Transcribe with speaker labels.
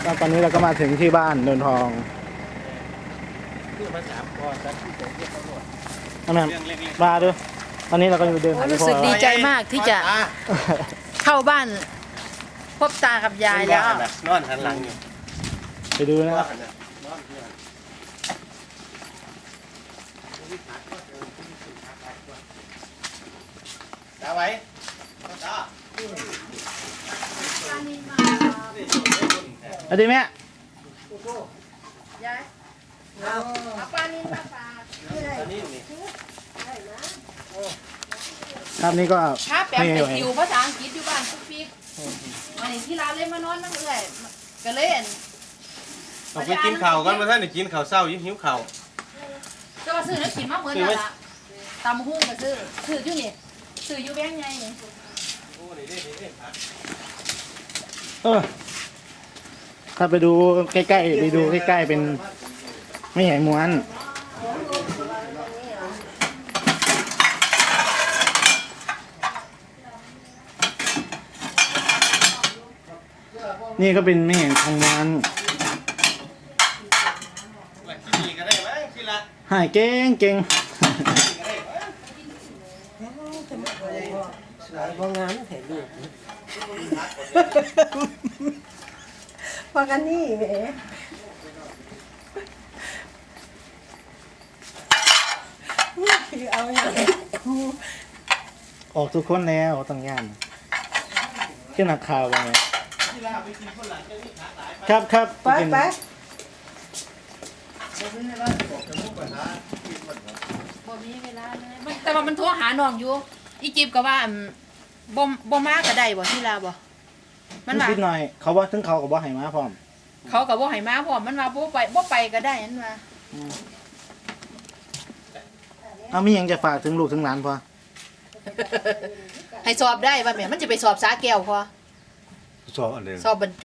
Speaker 1: แล้วตอนนี้เราก็มาถึงที่บ้านโนนทอง
Speaker 2: คือมา3ก้อนแล้วที่จะเรียกตำรวจ
Speaker 1: นั่นแหละมาดูตอนนี้เราก็อยู่เดินหา
Speaker 3: รู้
Speaker 1: พ่อ
Speaker 3: สึกดี
Speaker 1: แล้ว
Speaker 3: ใจมากที่จะเข้าบ้านพบตากับยายแล้ว
Speaker 2: นอนหันหลังอยู่
Speaker 1: ไปดูนะครับ
Speaker 2: ตาไว้ตา
Speaker 1: เอาดีแม่
Speaker 3: ยายเอาปลานินมาฝาก
Speaker 2: ตอนนี้นี่
Speaker 1: ครับนี่ก็
Speaker 3: ถ้าแปล
Speaker 1: ไม่
Speaker 3: ไป
Speaker 1: ไหว
Speaker 3: อยู่ภาษาอังกฤษอยู่บ้านปุ๊กปิ๊กวันนี้ที่ร้านเลยมานอนนั่งเอื่อยก็เลยอั่น
Speaker 2: เอาไปกินข้าวกันมาท่านได้กินข้าวเช้าหิวข้าว
Speaker 3: จะมาซื้อแล้วกินมาเหมือนกันละตำหุ้งก็ซื้ออยู่นี่ซื้ออยู่แบงค์ไงนี่
Speaker 2: โอ้นี่นี่ผัก
Speaker 1: ถ้าไปดูใกล้ๆไปดูใกล้ๆเป็นไม่ใหญ่ม้วนนี่ก็เป็นไม่ใหญ่ทองม้วน
Speaker 2: ว่าที่นี่ก็ได้มั้งที่ละ
Speaker 1: หายเก่งเก่ง
Speaker 4: สายพองานถ่ายรูปพอกันนี่แหมคือเอาอย่าง
Speaker 1: ออกทุกคนแล้วต้องย่านขึ้นนักข่าวว่าไงครับครับ
Speaker 4: ไปไป
Speaker 3: บ่มีเวลาเลยแต่ว่ามันโทรหาน้องอยู่อีจิบก็ว่าบ่มาก็ได้บ่ที่ลาบ่มันว่า
Speaker 1: นิดหน่อยเขาว่าถึงเขากับว่าให้มาพร้อม
Speaker 3: เขาก็บ่ให้มาพร้อมมันว่าบ่ไปก็ได้นั่นว่า
Speaker 1: เอามีหยังจะฝากถึงลูกถึงหลานพอ
Speaker 3: ให้สอบได้ว่าแม่มันจะไปสอบสาแก้วพอ
Speaker 2: สอบอันเดิม
Speaker 3: สอบบรร